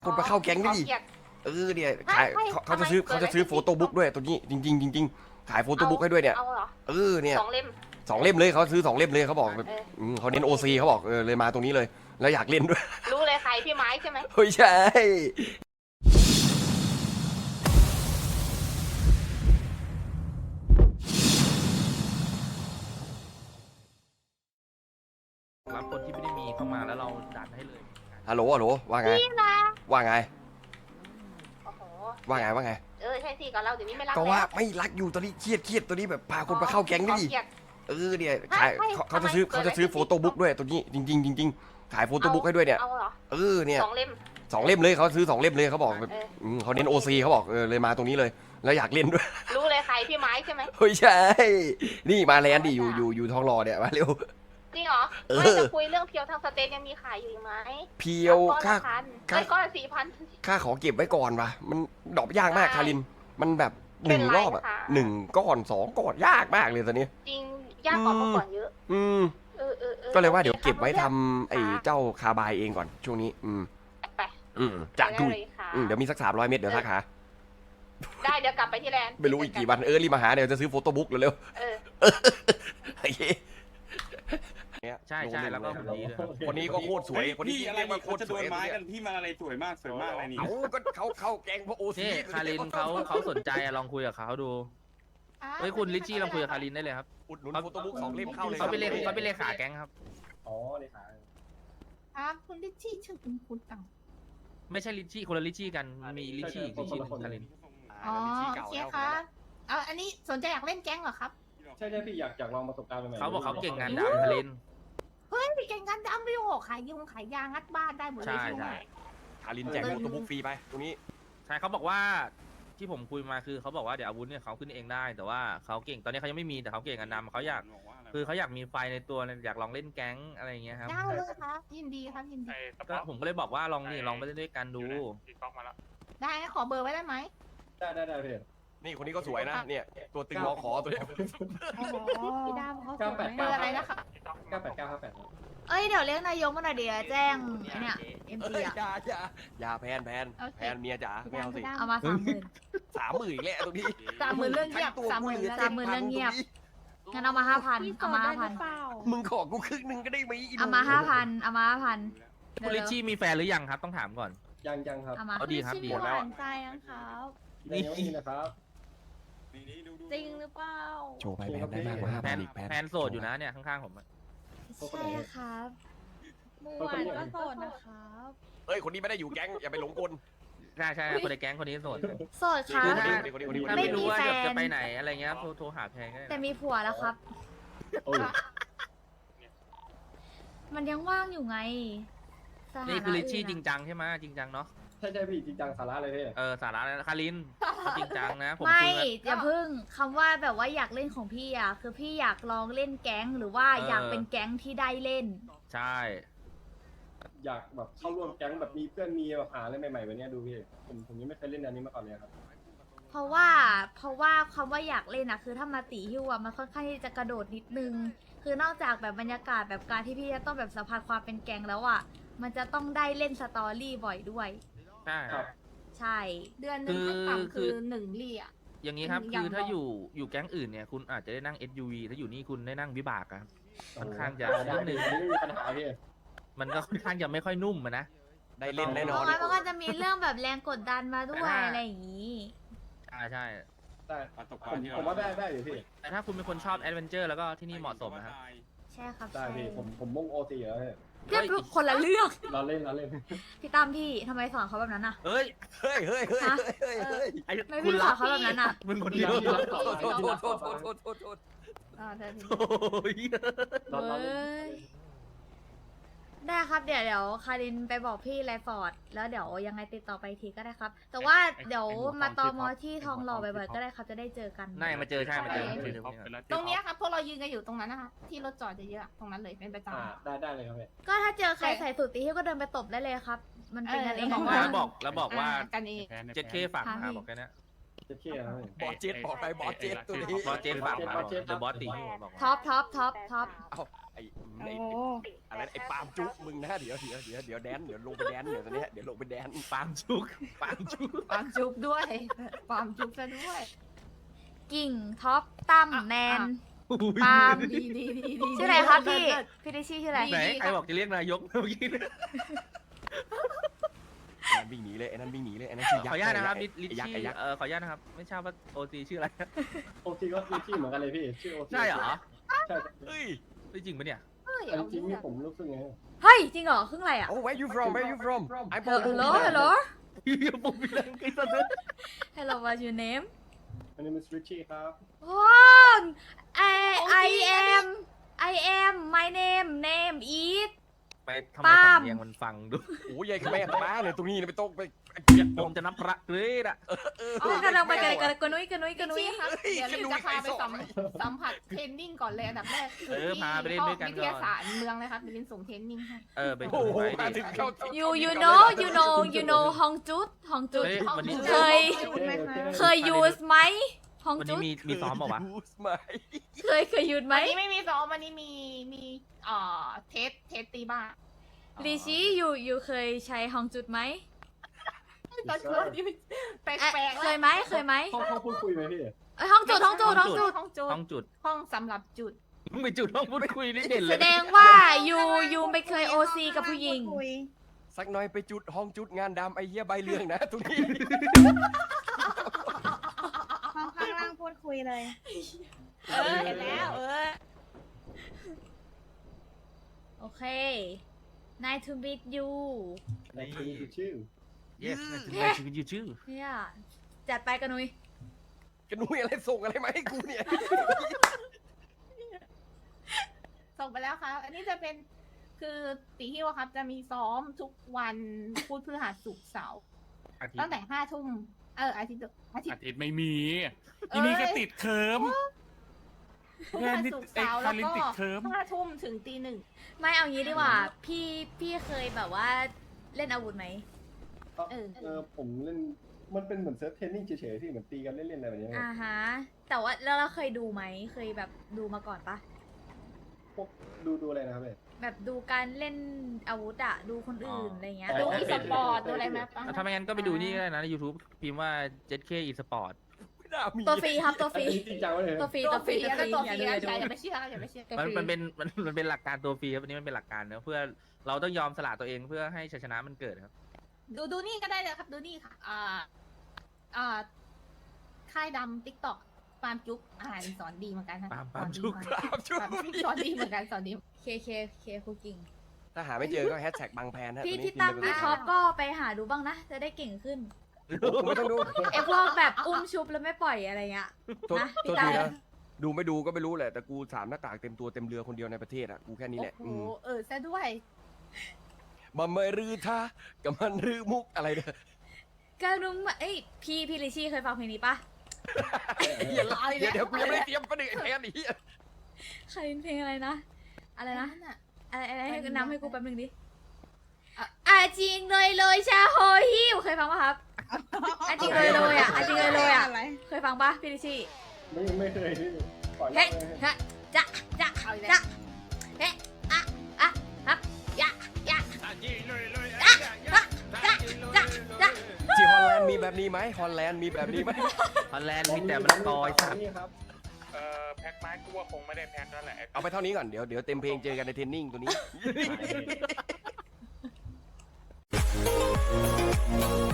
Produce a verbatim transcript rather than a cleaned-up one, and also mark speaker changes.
Speaker 1: คนมาเข้าแก๊งนี่ดิเออเนี่ยขายเขาเขาจะซื้อเขาจะซื้อโฟโต้บุ๊กด้วยตัวนี้จริงจริงจริงๆขายโฟโต้บุ๊กให้ด้วยเนี่ยเออเนี่ย
Speaker 2: สองเล่ม
Speaker 1: สองเล่มเลยเขาซื้อสองเล่มเลยเขาบอกแบบเขาเน้นโอซีเขาบอกเออเลยมาตรงนี้เลยแล้วอยากเล่นด้วย
Speaker 2: รู้เลยใครพี่ไม้ใช่ไหม
Speaker 1: ไม่ใช่
Speaker 3: รับคนที่ไม่ได้มีเข้ามาแล้วเราดันให้เลย
Speaker 1: ฮัลโหลฮัลโหลว่าไงว่าไง
Speaker 2: โอ้โห
Speaker 1: ว่าไงว่าไง
Speaker 2: เออใช่สิกับเราเดี๋ยวนี้ไม่รัก
Speaker 1: ก็ว่าไม่รักอยู่ตอนนี้เครียดเครียดตัวนี้แบบพาคนมาเข้าแก๊งนี่ดิเออเนี่ยขายเขาจะซื้อเขาจะซื้อโฟโต้บุ๊กด้วยตัวนี้จริงจริงจริงๆขายโฟโต้บุ๊กให้ด้วยเนี่ยเออเนี่ย
Speaker 2: สองเล่ม
Speaker 1: สองเล่มเลยเขาซื้อสองเล่มเลยเขาบอกแบบเขาเน้นโอซีเขาบอกเออเลยมาตรงนี้เลยแล้วอยากเล่นด้วย
Speaker 2: รู้เลยใครพี่ไม้ใช่ไหม
Speaker 1: ไม่ใช่นี่มาแลนด์ดิอยู่อยู่อยู่ทองหล่อเนี่ยมาเร็ว
Speaker 2: จริงเหรอไม่จะคุยเรื่องเพียวทางสเตนยังมีขายอยู่ไหม
Speaker 1: เพียวค่า
Speaker 2: ค่าก้อนสี่พัน
Speaker 1: ค่าขอเก็บไว้ก่อนวะมันดอกยากมากคารินมันแบบหนึ่งรอบอะหนึ่งก้อนสองก้อนยากมากเลยตอนนี้
Speaker 2: จริงยากกว่าเมื่อก่อนเยอะ
Speaker 1: อืมก็เลยว่าเดี๋ยวเก็บไว้ทำไอ้เจ้าคาบายเองก่อนช่วงนี้อืม
Speaker 2: ไป
Speaker 1: อืมจะดูเดี๋ยวมีสักสามร้อยเมตรเดี๋ยวทักหา
Speaker 2: ได้เดี๋ยวกลับไปที่แลนด์
Speaker 1: ไม่รู้อีกกี่วันเออรีบมาหาเดี๋ยวจะซื้อโฟโต้บุ๊กเร็ว
Speaker 2: ๆเออ
Speaker 1: โอเค
Speaker 3: ใช่ใช่แล้วก็คนนี้
Speaker 1: คนนี้ก็โคตรสวยคนนี้
Speaker 4: อะไรมาโคตรสวยไม้กันพี่มาอะไรสวยมากสวยมากอะไรนี่
Speaker 1: เขาก็เขาเข้าแกงเพราะโอซี
Speaker 3: คารินเขาเขาสนใจลองคุยกับเขาดูเฮ้ยคุณลิชชี่ลองคุยกับคารินได้เลยครับ
Speaker 1: อุดหนุนโฟโต้บุ๊กสองเล่มเข้าเลย
Speaker 3: เขาไปเลเขาไปเลขาแก๊งครับ
Speaker 4: อ๋อเลขา
Speaker 5: ครับคุณลิชชี่ชื่อคุณคุณตัง
Speaker 3: ไม่ใช่ลิชชี่คนละลิชชี่กันมีลิชชี่อีกลิชชี่คาริน
Speaker 5: อ๋อโอเคครับเอาอันนี้สนใจอยากเล่นแก๊งเหรอครับ
Speaker 4: ใช่ใช่พี่อยากอยากลองประสบการณ์ใหม่
Speaker 3: เขาบอกเขาเก่งงานดำคาริน
Speaker 5: เฮ้ยเก่งงานดำไปโอ้ขายยงขายยางัดบ้านได้หมดเลยใช่ไหม
Speaker 1: คารินแจกโฟโต้บุ๊กฟรีไปตรงนี้
Speaker 3: ใช่เขาบอกว่าที่ผมคุยมาคือเขาบอกว่าเดี๋ยวอาวุธเนี่ยเขาขึ้นเองได้แต่ว่าเขาเก่งตอนนี้เขายังไม่มีแต่เขาเก่งงานดำเขาอยากคือเขาอยากมีไฟในตัวอยากลองเล่นแก๊งอะไรอย่างเงี้ยครับ
Speaker 5: ได้เลยครับยินดีครับยินดี
Speaker 3: ก็ผมก็เลยบอกว่าลองนี่ลองไปเล่นด้วยกันดู
Speaker 5: ได้ขอเบอร์ไว้ได้ไหม
Speaker 4: ได้ได้ได้พี่
Speaker 1: นี่คนนี้ก็สวยนะเนี่ยตัวตึงรอขอตัวนี้
Speaker 5: พี่ดำเขาสวยเบอร์อะไรนะคะ
Speaker 4: เก้าแปดเก้าห้าแปด
Speaker 5: เอ้ยเดี๋ยวเรียกนายกมาหน่อยเดี๋ยวแจ้งเนี่ยเอ็มจีอะ
Speaker 1: อย่าอย่าอย่าแพนแพนแพนเมียจ๋าไม่เอาสิ
Speaker 5: เอามาสามหมื่น
Speaker 1: สามหมื่นอีกแล้วตรงนี้
Speaker 5: สามหมื่นเรื่องเงียบสามหมื่นสามหมื่นเรื่องเงียบงั้นเอามาห้าพันเอามาห้าพัน
Speaker 1: มึงขอกูครึ่งหนึ่งก็ได้ไหม
Speaker 5: เอามาห้าพันเอามาห้าพัน
Speaker 3: คุณลิชชี่มีแฟนหรือยังครับต้องถามก่อน
Speaker 4: ยังยังครับ
Speaker 3: เอาดีครับดี
Speaker 5: หมดแล้วใจนะครับ
Speaker 4: นี่นะครับ
Speaker 5: จริงหรือเปล่า
Speaker 1: โชว์ไปแพนได้มากกว่าห้าพันอีกแพน
Speaker 3: แพนโสดอยู่นะเนี่ยข้างๆผม
Speaker 5: ใช่ครับเมื่อวานก็โสดนะครับ
Speaker 1: เฮ้ยคนนี้ไม่ได้อยู่แก๊งอย่าไปหลงกล
Speaker 3: ใช่ใช่คนในแก๊งคนนี้โสด
Speaker 5: โสดครับ
Speaker 3: ไม่รู้ว่าจะไปไหนอะไรเงี้ยโทรหาแพน
Speaker 5: แต่มีผัวแล้วครับมันยังว่างอยู่ไง
Speaker 3: นี่คือลิชชี่จริงจังใช่ไหมจริงจังเนาะ
Speaker 4: ใช่ใช่พี่จริงจังสาระเลยพี่
Speaker 3: เออสาระเลยคารินจริงจังนะผม
Speaker 5: ไม่อย่าพึ่งคำว่าแบบว่าอยากเล่นของพี่อ่ะคือพี่อยากลองเล่นแก๊งหรือว่าอยากเป็นแก๊งที่ได้เล่น
Speaker 3: ใช่
Speaker 4: อยากแบบเข้าร่วมแก๊งแบบมีเพื่อนมีแบบหาอะไรใหม่ๆแบบนี้ดูพี่ผมผมยังไม่เคยเล่นอันนี้มาก่อนเลยครับ
Speaker 5: เพราะว่าเพราะว่าคำว่าอยากเล่นอ่ะคือถ้ามาตีฮิวอ่ะมันค่อนข้างที่จะกระโดดนิดนึงคือนอกจากแบบบรรยากาศแบบการที่พี่จะต้องแบบสัมผัสความเป็นแก๊งแล้วอ่ะมันจะต้องได้เล่นสตอรี่บ่อยด้วย
Speaker 3: ใช่
Speaker 5: ใช่เดือนนึงขั้นต่ำคือหนึ่งลี่อ่ะ
Speaker 3: อย่างนี้ครับคือถ้าอยู่อยู่แก๊งอื่นเนี่ยคุณอาจจะได้นั่ง เอส ยู วี ถ้าอยู่นี่คุณได้นั่งวิบากครับค่อนข้างจะนิดนึง
Speaker 4: ปัญหาพี่
Speaker 3: มันก็ค่อนข้างจะไม่ค่อยนุ่มนะ
Speaker 1: ได้เล่นแน่นอน
Speaker 5: มันก็จะมีเรื่องแบบแรงกดดันมาด้วยอะไรอย่างนี้
Speaker 3: ใช่ใช่
Speaker 4: ได้ผมว่าได้ได้อยู่พี่
Speaker 3: แต่ถ้าคุณเป็นคนชอบแอดเวนเจอร์แล้วก็ที่นี่เหมาะสมนะครับ
Speaker 5: ใช่ครับ
Speaker 4: ได้พี่ผมผมมุ่งโอซีเหรอ
Speaker 5: เพื่อนคนละเรื่อง
Speaker 4: เราเล่นเราเล่น
Speaker 5: พี่ตั้มพี่ทำไมสอนเขาแบบนั้นอ่ะ
Speaker 3: เฮ้ย
Speaker 1: เฮ้ยเฮ้ยเฮ้ยเฮ้ยเฮ้ย
Speaker 5: ไม่พี่สอนเขาแบบนั้นอ่ะ
Speaker 3: มึงคนเดียว
Speaker 1: โทษโทษโทษโทษโทษโทษโทษ
Speaker 5: อ่าได้ได้ครับเดี๋ยวเดี๋ยวคารินไปบอกพี่ไรฟอร์ดแล้วเดี๋ยวยังไงติดต่อไปทีก็ได้ครับแต่ว่าเดี๋ยวมาตอมอที่ทองหล่อบ่อยๆก็ได้ครับจะได้เจอกัน
Speaker 3: ได้มาเจอใช่มาเจอ
Speaker 5: ตรงนี้ครับพวกเรายืนกันอยู่ตรงนั้นนะคะที่รถจอดเยอะๆตรงนั้นเลยเป็นประจำ
Speaker 4: ได้ได้เลยครับ
Speaker 5: ก็ถ้าเจอใครใส่สูทตีฮิ้วก็เดินไปตบได้เลยครับมันเป็นกันเอง
Speaker 3: แล้วบอกแล้วบอกว่า
Speaker 5: กันเอง
Speaker 3: เจ็ดเคฝากมาบอกแค่นี้
Speaker 4: เจ็ดเค
Speaker 1: บอสเจ็ดบอกไปบอสเจ็ดตัวนี้
Speaker 3: บอสเจ็ดฝากมาเดอะบอสตีฮิ้วบอก
Speaker 5: ท็อปท็อปท็อปท็อป
Speaker 1: ไอ้
Speaker 6: โอ้
Speaker 1: ไอ้อะไรไอ้ปาล์มจุกมึงนะเดี๋ยวเดี๋ยวเดี๋ยวเดี๋ยวแดนเดี๋ยวลงไปแดนเดี๋ยวตอนเนี้ยเดี๋ยวลงไปแดน
Speaker 3: ปาล์มชุกปาล์มชุก
Speaker 6: ความจุบด้วยความจุบซะด้วย
Speaker 5: กิ่งท็อปตั้มแนน
Speaker 6: ปาล์มดีดีดีดี
Speaker 5: ชื่ออะไรครับพี่พี่ดิชี่ชื่ออะไร
Speaker 3: ไหนใครบอกจะเรียกนายกเมื่อกี้
Speaker 1: ไอ้นั่นวิ่งหนีเลยไอ้นั่นวิ่งหนีเลยไอ้นั่นชื่อ
Speaker 3: ข
Speaker 1: ยั
Speaker 3: อก อนุญาตนะครับ
Speaker 1: ษ์
Speaker 3: ลิลิ
Speaker 1: ไอ้ยักษ์
Speaker 3: ชี่
Speaker 1: ไอ้ยักษ์
Speaker 3: เออขออนุญาตนะครับไม่ทราบว่าโอซีชื่ออะไร
Speaker 4: โอทีก็มีชื่อเหมือนกันเลยพี่ชื่อโอที
Speaker 3: ใช่เหรอ
Speaker 4: ใช่
Speaker 1: เฮ้ย
Speaker 3: จริงปะเนี่ย
Speaker 6: เฮ้ย
Speaker 4: อัน
Speaker 6: เอา
Speaker 4: จริง
Speaker 6: เรื่
Speaker 4: นี่
Speaker 6: อง
Speaker 4: ผมรู้สึกไง
Speaker 5: เฮ้ยจริงเหรอครึ่งอะไรอ่ะ
Speaker 1: โอ้ where you from where you from I'm from
Speaker 5: Hello hello
Speaker 3: พี่ปุ๊บพี่ดังกินซะด้วย
Speaker 5: hello what's your name
Speaker 4: อันนี้มันสวิตชี่ครับ
Speaker 5: wow I I am I am my name name is
Speaker 3: ไปทำไม
Speaker 5: ปาล์ม
Speaker 3: สำเนียงมันฟังดู
Speaker 1: โอ้ยยายขแม่ขม้าเลยตรงนี้ไม่ต้องไป
Speaker 3: ผมจะนับพระเลยอะ
Speaker 5: อ๋อกำลังไปกันกันกนุ้ยกนุ้ยกนุ้ย
Speaker 6: พี่ครับเดี๋ยวรีบจะพาไปสัมสัมผัสเทรนนิ่งก่อนเลยอันดับแรกคือ
Speaker 3: เออ
Speaker 6: ที่
Speaker 3: พาไปเล่นด้วยกัน
Speaker 6: วิ
Speaker 3: ก่
Speaker 6: ท
Speaker 3: อน
Speaker 6: ยาศาสตร์เมืองเลยครับเดี๋ยวลินส่งเทรนนิ่งให้
Speaker 3: เออไป
Speaker 1: โอ้โห
Speaker 3: ไป
Speaker 1: มา
Speaker 3: ดิ
Speaker 1: ถึงเข้า
Speaker 5: you you know you know you know ฮองจุดฮองจุด
Speaker 3: เฮ้ยวันนี้
Speaker 5: เคย
Speaker 4: โอเคโอเค
Speaker 5: เคย use ไหมฮอง
Speaker 3: วัน
Speaker 5: จุ
Speaker 3: นี้
Speaker 5: ด
Speaker 3: มีมีซ้อมเปล่าวะ
Speaker 1: ยูสไหม
Speaker 5: เคยเคย use ไหม
Speaker 6: วันนี้ไม่มีซ้อมวันนี้มีมีเอ่อเทสเทสตีบ้า
Speaker 5: ลีชี่อยู่อยู่เคยใช้ฮองจุดไหม
Speaker 6: ตอนเช้านี่แปล
Speaker 5: เอ๊ะ
Speaker 6: กๆ
Speaker 5: เคยไหมเคยไหม
Speaker 4: ห้องห้องพูดคุยไหมพี่
Speaker 5: เอ้ยฮองจุดฮองจุดฮองจุด
Speaker 6: ห้องจุด
Speaker 3: ห้องจุด
Speaker 6: ห้องสำหรับจุด
Speaker 3: มึงไปจุดห้องพูดคุยนี่เด่นเล
Speaker 5: แส
Speaker 3: ย
Speaker 5: ดงว่ายูยูไม่เคยโอซีกับผู้หญิง
Speaker 1: สักหน่อยไปจุดห้องจุดงานดำไอ้เหี้ยใบเรื่องนะตรงนี้
Speaker 7: ห้องข้างล่างพูดคุยเลย
Speaker 6: เออเห็นแล้วเออ
Speaker 5: โอเค nice to meet you
Speaker 4: ในชื่อชื่อ
Speaker 3: yes ในชีวิตยูชื่อ
Speaker 5: เนี่ยจัดไปกันนุ้ย
Speaker 1: กระนุ้ยอะไรส่งอะไรมาให้กูเนี่ย
Speaker 6: ส่งไปแล้วครับ อันนี้จะเป็นคือตีฮิวอะครับ จะมีซ้อมทุกวันพุธพฤหัสศุกร์เสาร์
Speaker 3: อาทิต
Speaker 6: ตั้ง
Speaker 3: ย์
Speaker 6: แต่ห้าทุ่มเอออาทิตย์อาทิต
Speaker 8: อา
Speaker 6: ย์
Speaker 8: ทิตย์ไม่มีทีนี้ก็ติดเคิร์ม
Speaker 6: พุธพฤหัสศุกร์เสาร์
Speaker 8: เอ้ย
Speaker 6: แล้ว
Speaker 8: คาริน
Speaker 6: ก็
Speaker 8: ติดเทอม
Speaker 6: ห้าทุ่มถึงตีหนึ่ง
Speaker 5: ไม่เอางี้ดีกว่า พี่พี่เคยแบบว่าเล่นอาวุธไหม
Speaker 6: เออ
Speaker 4: เออผมเล่นมันเป็นเหมือนเซิร์ฟเทรนนิ่งเฉยๆพี่เหมือนตีกันเล่นๆอะไรแบบนี้
Speaker 5: อ่าฮะ แต่ว่าแล้วเราเคยดูไหม เคยแบบดูมาก่อนปะ
Speaker 4: พวกดูดูอะไรนะครับเบส
Speaker 5: แบบดูการเล่นอาวุธอะดูคนอื่นอะไรเงี้ย
Speaker 6: ดูอีสปอร์ตดูอะไรไหมปะ
Speaker 3: ถ้าไม่งั้นก็ไปดูนี่ก็ได้นะใน YouTube พิมพ์ว่า เจ็ดเค eSport
Speaker 1: ไม่น่ามี
Speaker 5: ตัวฟรีครับตัวฟ
Speaker 4: อัน
Speaker 5: รี
Speaker 4: นี้จริงจังวะเลย
Speaker 5: ตัวฟรี
Speaker 6: ตั
Speaker 5: ตัว ว
Speaker 6: ฟ
Speaker 5: ฟ
Speaker 6: รี
Speaker 5: รีตัวฟ
Speaker 6: แล้ว
Speaker 5: รี
Speaker 6: ตัวฟ
Speaker 5: อย่า
Speaker 6: รี
Speaker 5: ดูอย่า
Speaker 6: อย่า
Speaker 5: ดู
Speaker 6: ไปเชื่ออย่าไปเชื่อ
Speaker 5: ตัว
Speaker 3: มัน
Speaker 5: ฟรี
Speaker 3: มันเป็นมันมันเป็นหลักการตัวฟรีครับอันนี้มันเป็นหลักการเนอะเพื่อเราต้องยอมสละตัวเองเพื่อให้ชัยชนะมันเกิดครับ
Speaker 6: ดูดูนี่ก็ได้เลยครับ ดูนี่ค่ะ อ่า อ่า ค่ายดำติ๊กต็อกปาล์มจุ๊บอ่านสอนดีเหมือนกันนะ
Speaker 3: ปาล์มปาล์มจุ๊บ
Speaker 6: สอนดีมาก
Speaker 1: ปาล์มจุ๊บ
Speaker 6: สอนดีเหมือนกันสอนดี
Speaker 5: เคเคเคคุกกิ้ง
Speaker 1: ถ้าหาไม่เจอก็แฮชแท็กบางแพนฮะ
Speaker 5: พี่
Speaker 1: ตัวนี้
Speaker 5: พี่ตั้ม
Speaker 1: พิ
Speaker 5: พี่
Speaker 1: มพ์ไป
Speaker 5: ท็อปก็ไปหาดูบ้างนะ จะได้เก่งขึ้น
Speaker 1: ผมไม่ต้องดู
Speaker 5: ไอพวกแบบอุ้มชุบแล้วไม่ปล่อยอะไรเงี้ย
Speaker 1: โทษ
Speaker 5: นะ
Speaker 1: โทษ
Speaker 5: พี่
Speaker 1: ที
Speaker 5: ตา
Speaker 1: นะดูไม่ดูก็ไม่รู้แหละแต่กูสามหน้ากากเต็มตัวเต็มเรือคนเดียวในประเทศอ่ะกูแค่นี้แหละ
Speaker 6: โอ้
Speaker 1: อื
Speaker 6: โห
Speaker 1: ม
Speaker 6: เออซะด้วย
Speaker 1: มันไม่รือท่ากับมันรือมุกอะไรเนี่ย
Speaker 5: ก็รู้มาเอ้ยพี่พี่ลิชี่เคยฟังเพลงนี้ปะ
Speaker 1: อย่าละเดี๋ยวเดี๋ยวกูยังไม่ได้เตรียมประเด็นไอ้แพนอีก
Speaker 5: เคยเพลงอะไรนะ อะไรนะ
Speaker 6: น่ะ
Speaker 5: อะไรอะไรให้
Speaker 6: มัน
Speaker 5: นำให้กูแป๊บนึงดิ
Speaker 6: อ่ะ
Speaker 5: อ่ะจริงเลยเลยชาโฮฮิวเคยฟังปะครับอ่ะจริงเลยเลยอ่ะอ่ะจริงเลยเลยอ่ะ เคยฟังปะพี่ลิชี่
Speaker 4: ไม่ไม่เคยพี่ขอ
Speaker 5: เฮ้
Speaker 4: เล่น
Speaker 5: ฮะจะจะ
Speaker 6: เอาอีก
Speaker 5: จะ
Speaker 6: แล้ว
Speaker 5: เฮ้อะอะครับยะยะจะจะจะจะ
Speaker 1: ที่ฮอลแลนด์มีแบบนี้ไหมฮอลแลนด์มีแบบนี้ไหม
Speaker 3: ฮอลแลนด์มีแต่มะละกอไอ้สัตว์
Speaker 4: นี่ครับ
Speaker 8: เอ่อแพ็คไม้กูว่าคงไม่ได้แพ็คแล้วแหละ
Speaker 1: เอาไปเท่านี้ก่อนเดี๋ยวเดี๋ยวเต็มเพลงเจอกันในเทรนนิ่งตัวนี้